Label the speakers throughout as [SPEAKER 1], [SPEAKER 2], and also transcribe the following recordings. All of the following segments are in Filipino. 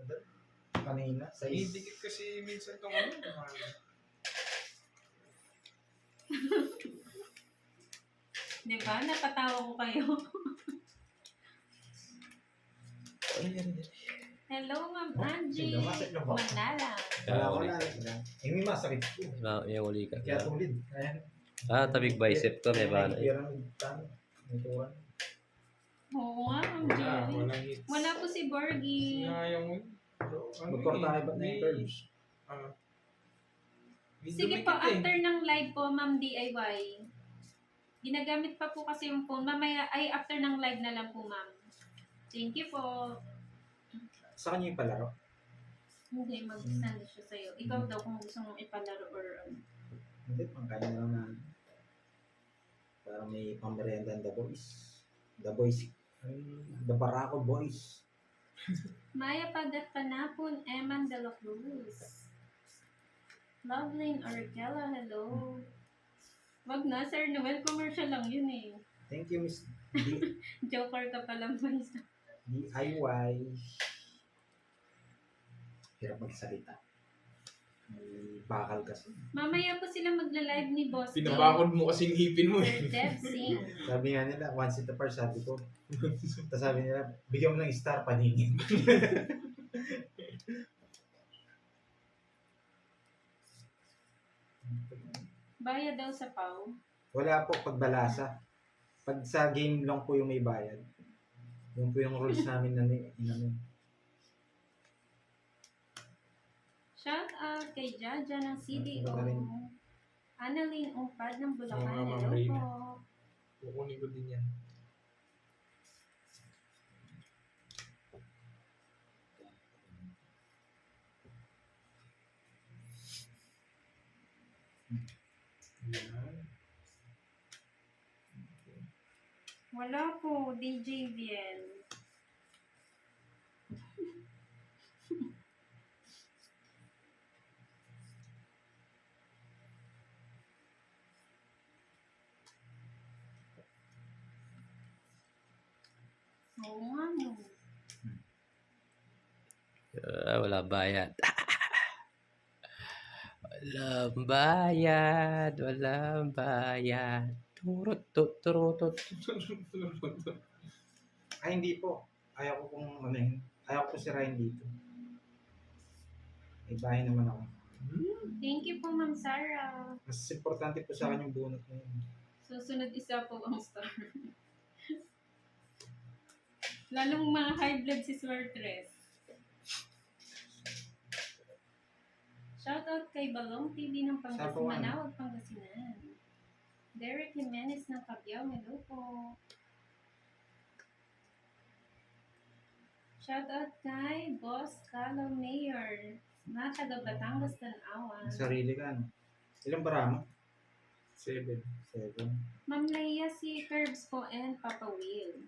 [SPEAKER 1] Kanina, sa
[SPEAKER 2] Dikit kasi minsan itong ano.
[SPEAKER 3] Diba? Napatawa ko kayo. Hello, Ma'am Angie. Manala.
[SPEAKER 1] Wala. May masakit po.
[SPEAKER 4] May uli ka.
[SPEAKER 1] Kaya tulid. Ayan.
[SPEAKER 4] Tabig bicep ko, may bana.
[SPEAKER 3] Oo nga, Ma'am Jerry.
[SPEAKER 2] Walang hits.
[SPEAKER 3] Wala po si Borgie.
[SPEAKER 2] Sinayang mo.
[SPEAKER 1] Magkorta kayo ba't na yung curves?
[SPEAKER 3] Sige po, after ng live po, Ma'am DIY. Ginagamit pa po kasi yung phone. Mamaya, ay after ng live na lang po, Ma'am. Thank you po.
[SPEAKER 1] Sa kanya yung palaro?
[SPEAKER 3] Hindi, mag-send siya sa'yo. Ikaw daw kung gusto mong ipalaro or ano.
[SPEAKER 1] Hindi, pangkaya na lang na. Para may pamerienda the boys. The boys. The Barako boys.
[SPEAKER 3] Maya Pagat Panapon, Eman de la Cruz. Loveline Orgella, hello. Wag na, Sir Noel. Commercial lang yun eh.
[SPEAKER 1] Thank you, Miss
[SPEAKER 3] Joker ka pala mo.
[SPEAKER 1] DIY. Hirap magsalita. May bakal kasi.
[SPEAKER 3] Mamaya po sila magla-live ni Boss.
[SPEAKER 2] Pinabakod mo kasi yung hipin mo
[SPEAKER 3] Sir
[SPEAKER 2] eh.
[SPEAKER 3] Deb Singh.
[SPEAKER 1] Sabi nga nila, once it apart, sabi ko. Tapos sabi nila, bigyan mo ng star, paningin.
[SPEAKER 3] Bayad daw sa PAW.
[SPEAKER 1] Wala po pagbalasa. Pag sa game lang po yung may bayad. Yung po yung rules namin na inamin.
[SPEAKER 3] Shout out kay Jaja ng CDO.
[SPEAKER 1] Magaling.
[SPEAKER 3] Annalyn Ungpad ng Bulacan.
[SPEAKER 2] Mga Ma'am
[SPEAKER 3] Hello
[SPEAKER 2] Reyna.
[SPEAKER 3] po.
[SPEAKER 2] Kukunin ko din yan. Yan.
[SPEAKER 3] Wala po, DJ VL. Oo nga no.
[SPEAKER 4] Wala bayad. Walang bayad. Walang bayad. Turut.
[SPEAKER 1] Ay, hindi po. Ayaw ko kung ano yun. Ayaw ko sirain dito. May bahay naman ako.
[SPEAKER 3] Thank you po, Ma'am Sarah.
[SPEAKER 1] Mas importante po sa akin yung bunot na yun.
[SPEAKER 3] Susunod isa po ang star. Lalong mga high blood si Swertres. Shoutout kay Balong TV ng
[SPEAKER 1] Sapuan.
[SPEAKER 3] Manawag, Pangasinan. Derek Jimenez ng Cabiao, hello po. Shoutout kay Boss Carlo Mayor na taga Batangas, Tanawan.
[SPEAKER 1] Sarili ka, no? Ilang bara mo?
[SPEAKER 2] 7.
[SPEAKER 1] 7.
[SPEAKER 3] Ma'am Leia si Curbs po and Papa Will.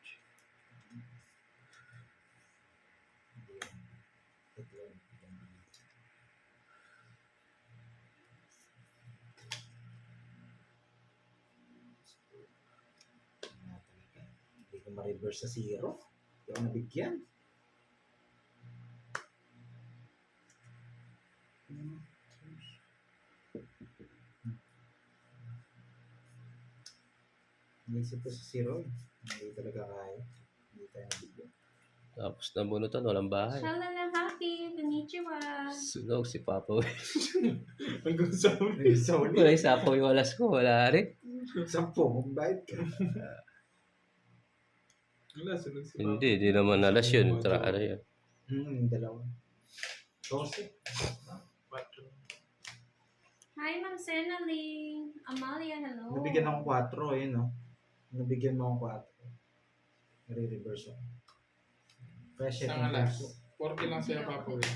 [SPEAKER 1] Hindi ko ma-reverse sa 0. Hindi ako nabigyan. Naisip ko sa 0. Hindi talaga kaya. Hindi tayo nabigyan.
[SPEAKER 4] Tapos nabunutan, walang bahay.
[SPEAKER 3] Shalala happy, konnichiwa.
[SPEAKER 4] Sunog si Papa.
[SPEAKER 2] Hanggang sa
[SPEAKER 1] Isa ulit.
[SPEAKER 4] Wala isapaw yung alas ko. Wala rin.
[SPEAKER 1] 10. Magbayad ka.
[SPEAKER 2] Wala, sunod si
[SPEAKER 4] Hindi naman alas yun. Ano yun?
[SPEAKER 1] Dalawa. 12.
[SPEAKER 2] 4.
[SPEAKER 3] Hi, Ma'am Senaling. Amalia, hello.
[SPEAKER 1] Nabigyan akong 4. Ayun, no? Nabigyan mo akong 4. Nare-reverse ako. Kaya siya
[SPEAKER 2] Isang alas. 40 lang sa'yo, Papa Will.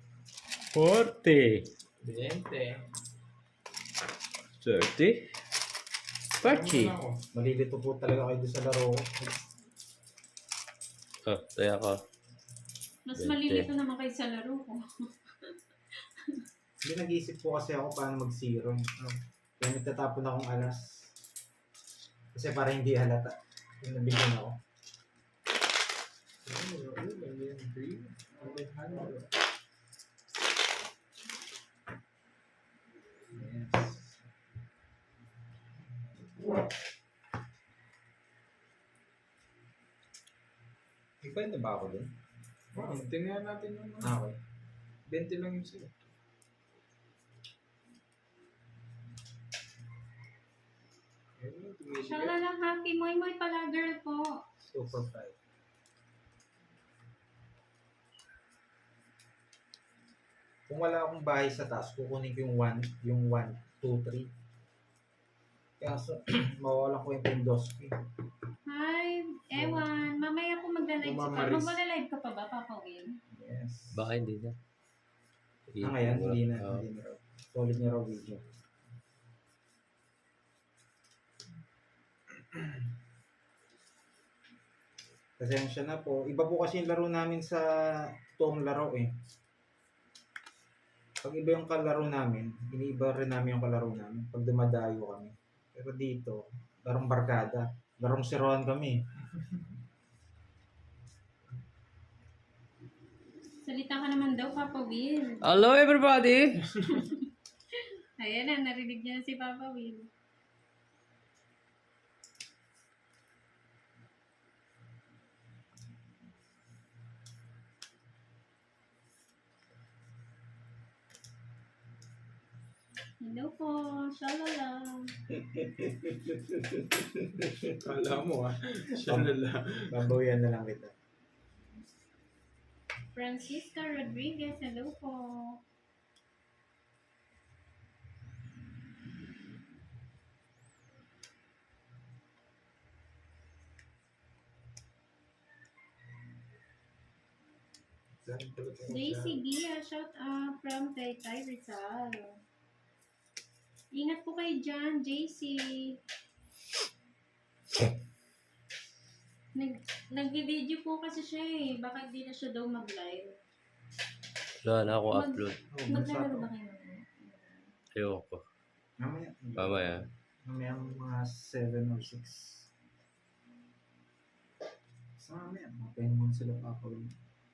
[SPEAKER 4] 40.
[SPEAKER 2] 20.
[SPEAKER 4] 30. Parchi.
[SPEAKER 1] Malilito po talaga kayo doon sa laro ko.
[SPEAKER 4] Taya ko.
[SPEAKER 3] Mas
[SPEAKER 4] 20.
[SPEAKER 3] malilito naman kayo sa laro ko.
[SPEAKER 1] Hindi, nag-iisip po kasi ako paano mag-zero. Kaya nagtatapon akong alas. Kasi para hindi halata. Yung nabigyan ako. Yes. May kwento ba ako dun?
[SPEAKER 2] Tingnan natin yung
[SPEAKER 1] Ah, okay.
[SPEAKER 2] 20 lang yung sila. Ayun, tumisigil.
[SPEAKER 3] Siya na lang happy. Moy pala, girl po.
[SPEAKER 1] Super fried. Kung wala akong bahay sa taas, kukunin ko yung 1, 2, 3. Kaya mawawalan ko yung Pindoski.
[SPEAKER 3] Hi, Ewan. Mamaya po magla-live
[SPEAKER 2] Mama
[SPEAKER 3] ka.
[SPEAKER 2] Maris.
[SPEAKER 3] Magla-live ka pa ba, Papa Will?
[SPEAKER 1] Yes.
[SPEAKER 4] Baka hindi na.
[SPEAKER 1] Ngayon, hindi na.
[SPEAKER 4] Oo.
[SPEAKER 1] Hindi na raw. Solid niya raw video. Pasensya na po. Iba po kasi yung laro namin sa toong laro eh. Pag iba yung kalaro namin, iniiba rin namin yung kalaro namin. Pag dumadayo kami. Pero dito, larong barkada. Larong siroan kami.
[SPEAKER 3] Salita ka naman daw, Papa Will.
[SPEAKER 4] Hello everybody!
[SPEAKER 3] Ayan na, narinig niya na si Papa Will. Hello po, shalala.
[SPEAKER 2] Kala mo siya na lang.
[SPEAKER 1] Babawian na lang kita.
[SPEAKER 3] Francisca Rodriguez, hello po. Daisy Gia, shout out from Taytay Rizal. Ingat po kayo dyan, JC. Nag-video po kasi siya eh. Baka hindi na siya daw mag-live.
[SPEAKER 4] Wala na akong upload.
[SPEAKER 3] Maglalaro ba kayo?
[SPEAKER 4] Ayoko.
[SPEAKER 1] Mamaya.
[SPEAKER 4] Mamaya.
[SPEAKER 1] Mamaya mga 7 or 6. Sa mamaya, mapahin mo sila papawin.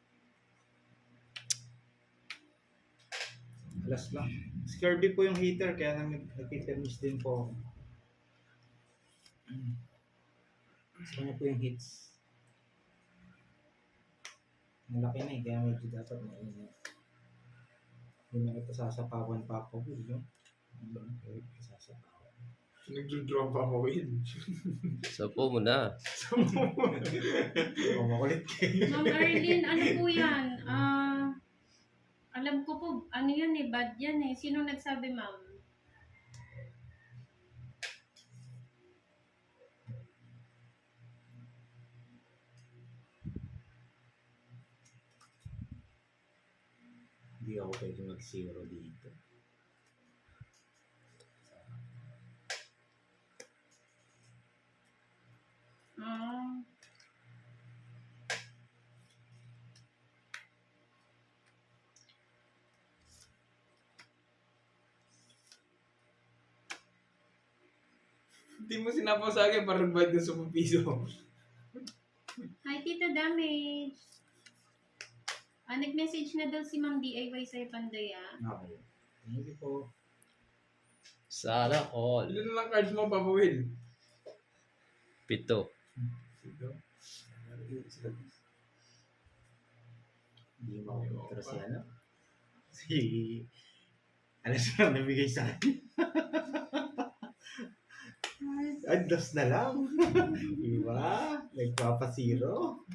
[SPEAKER 1] Alas lang. Si Kirby po yung heater, kaya nagpipirmis din po ako. Sa kanya po yung hits. Malaki na eh, kaya medyo dapat mainit. Hindi na ito sasapawan pa ako. Ano ba? Sasapawan.
[SPEAKER 2] Nag-drop ako in.
[SPEAKER 4] Sapo mo na.
[SPEAKER 1] O, makulit kayo.
[SPEAKER 3] Ma'am Arlene, ano po yan? Alam ko po, ano yan eh, bad yan eh. Sino nagsabi, ma'am?
[SPEAKER 1] Hindi ako pwede mag-zero dito.
[SPEAKER 3] Ah,
[SPEAKER 2] Hindi mo sinapaw sa akin para bayad ng 10 piso.
[SPEAKER 3] hi, Tita Damage. Nag-message na daw si Ma'am DIY sa'yo, Panday, ah.
[SPEAKER 1] Okay. Thank you po.
[SPEAKER 4] Sana all.
[SPEAKER 2] Ilan na lang cards mo, Papa Will?
[SPEAKER 4] 7.
[SPEAKER 1] Hindi mo ako interest si ano? Si... Alas na nabigay sa akin. Ados na lang. Diba? Nagpapasiro.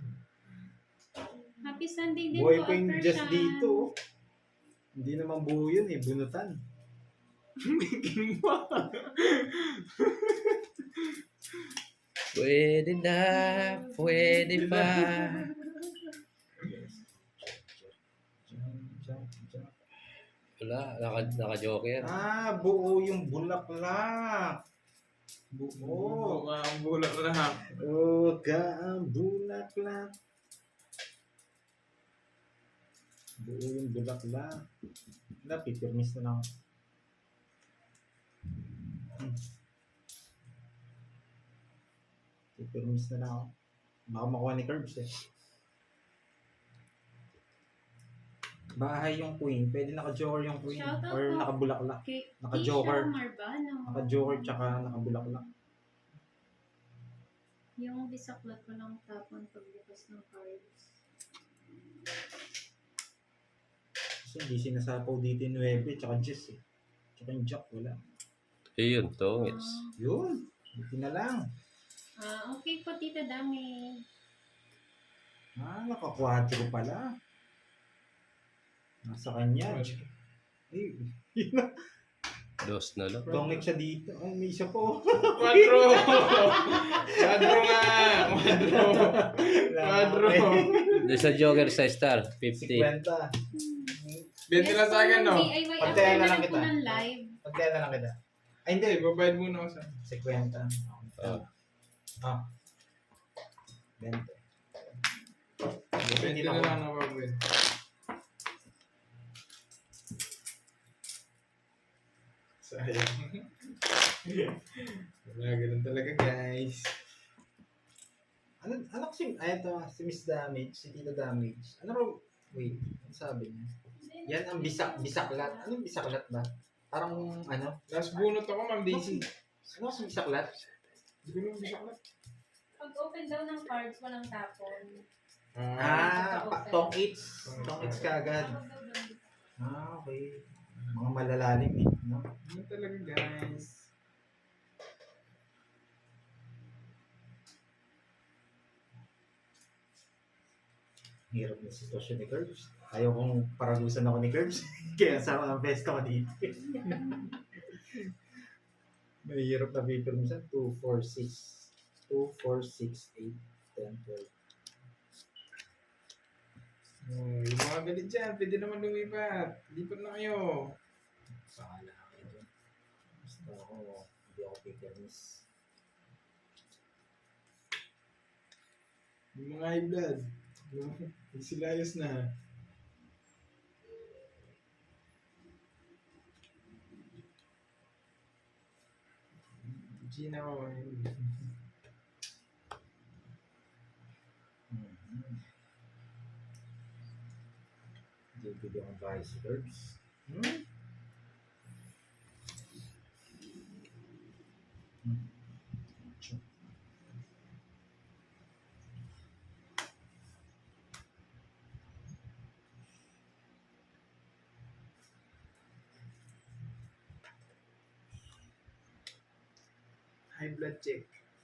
[SPEAKER 3] Happy Sunday din
[SPEAKER 1] Buhay
[SPEAKER 3] po,
[SPEAKER 1] pa yung
[SPEAKER 3] Alper
[SPEAKER 1] just
[SPEAKER 3] Shan.
[SPEAKER 1] dito. Hindi naman buo yun eh. Bunutan.
[SPEAKER 2] Making mo.
[SPEAKER 4] Pwede na, pwede pa. Wala, naka-joker.
[SPEAKER 1] Buo yung bulaklak. Buo.
[SPEAKER 2] Oo, ang bulak na.
[SPEAKER 1] Oh, ang bulaklak. Buo yung bulaklak. Wala, pipirmis na lang. Pipirmis na lang ako. Baka makuha ni Curbs eh. bahay yung queen, pwede naka-joker yung queen.
[SPEAKER 3] Shoutout
[SPEAKER 1] Or
[SPEAKER 3] po.
[SPEAKER 1] nakabulaklak.
[SPEAKER 3] Kay
[SPEAKER 1] Naka-joker.
[SPEAKER 3] Tisha Marbano.
[SPEAKER 1] Naka-joker tsaka nakabulaklak.
[SPEAKER 3] Yung bisaklat ko lang tapon pagbukas ng cards.
[SPEAKER 1] Kasi hindi sinasapaw dito yung 9 tsaka 10 eh. Tsaka yung jack, wala.
[SPEAKER 4] Ayun, tongits.
[SPEAKER 1] Yun, buti na lang.
[SPEAKER 3] Okay po, Tita Dami.
[SPEAKER 1] Naka-4 pala. Nasa kanya. Ay,
[SPEAKER 4] Dos na lang.
[SPEAKER 1] tongit siya dito. Ay, may isa po.
[SPEAKER 2] 4! 4 nga! 4!
[SPEAKER 4] Doon sa Joker sa Star, 50.
[SPEAKER 1] 50.
[SPEAKER 2] 20 lang sa akin, no?
[SPEAKER 3] DIY
[SPEAKER 1] Pagtayan
[SPEAKER 3] after
[SPEAKER 1] na
[SPEAKER 3] na
[SPEAKER 1] lang
[SPEAKER 3] lang po
[SPEAKER 1] kita.
[SPEAKER 3] ng live.
[SPEAKER 1] Pagkaya na lang kita. Ay, hindi.
[SPEAKER 2] Hindi, babayad muna ako sa...
[SPEAKER 1] 50. 20.
[SPEAKER 2] 20 na lang ako babayad. Sayang. Wala, ganun talaga, guys.
[SPEAKER 1] Ano kasi, ito, si Miss Damage, si Tita Damage. Ano raw, wait, ano sabi niya? Yan ang bisaklat. Anong bisaklat ba? Parang, ano?
[SPEAKER 2] Last bunot ako, Ma'am Daisy.
[SPEAKER 1] Ano kasi bisaklat?
[SPEAKER 2] Hindi ko naman bisaklat.
[SPEAKER 3] Pag open daw ng cards, walang tapon.
[SPEAKER 1] Tong-its. Tong-its kagad. Okay. Mga malalalim eh. No?
[SPEAKER 2] Ano talaga, guys?
[SPEAKER 1] Hirap na sitwasyon ni Curbs. Ayaw kong paragusan ako ni Curbs. Kaya sa ng best ako dito. May hirap na paper minsan. 2, 4, 6. 2, 4, 6, 8, 10, 12.
[SPEAKER 2] Oh, yung mga galit dyan, pwede naman lumipat. Lipat na kayo.
[SPEAKER 1] Bahala kayo dun. Basta ako, hindi ako paper miss.
[SPEAKER 2] Yung mga high blood. Yung sila ayos na. Gina ko.
[SPEAKER 1] Hindi bigyan ng bahay si Curbs.
[SPEAKER 2] High blood check.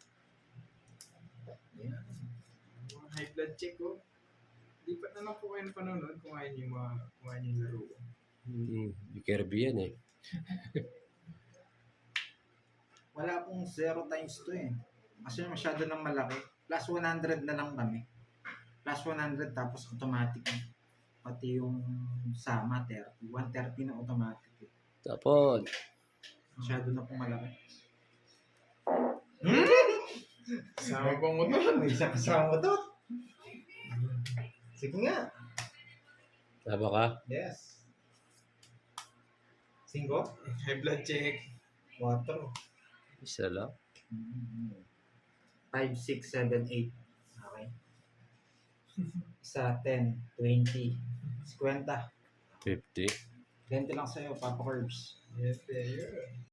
[SPEAKER 1] Yan.
[SPEAKER 2] Mga high blood check ko. Lipat na lang po kayo ng panonood kung ayaw nyo yung laro ko.
[SPEAKER 4] Yung Kirby yan eh.
[SPEAKER 1] Wala pong 0 times 2 eh. Kasi masyado nang malaki. Plus 100 na lang kami. Plus 100 tapos automatic. Pati yung sama 30. 130 na automatic eh.
[SPEAKER 4] Tapon.
[SPEAKER 1] Masyado na pong malaki.
[SPEAKER 2] Sama ko mo to.
[SPEAKER 1] May isang kasama mo to. Sige nga.
[SPEAKER 4] Tama ka?
[SPEAKER 1] Yes. 5? 4.
[SPEAKER 2] High blood check.
[SPEAKER 4] 1 lang.
[SPEAKER 1] 5, 6, 7, 8. Okay. Isa, 10, 20, 50.
[SPEAKER 4] 50.
[SPEAKER 1] 20 lang sa'yo, Papa Curbs.
[SPEAKER 2] Yes, there you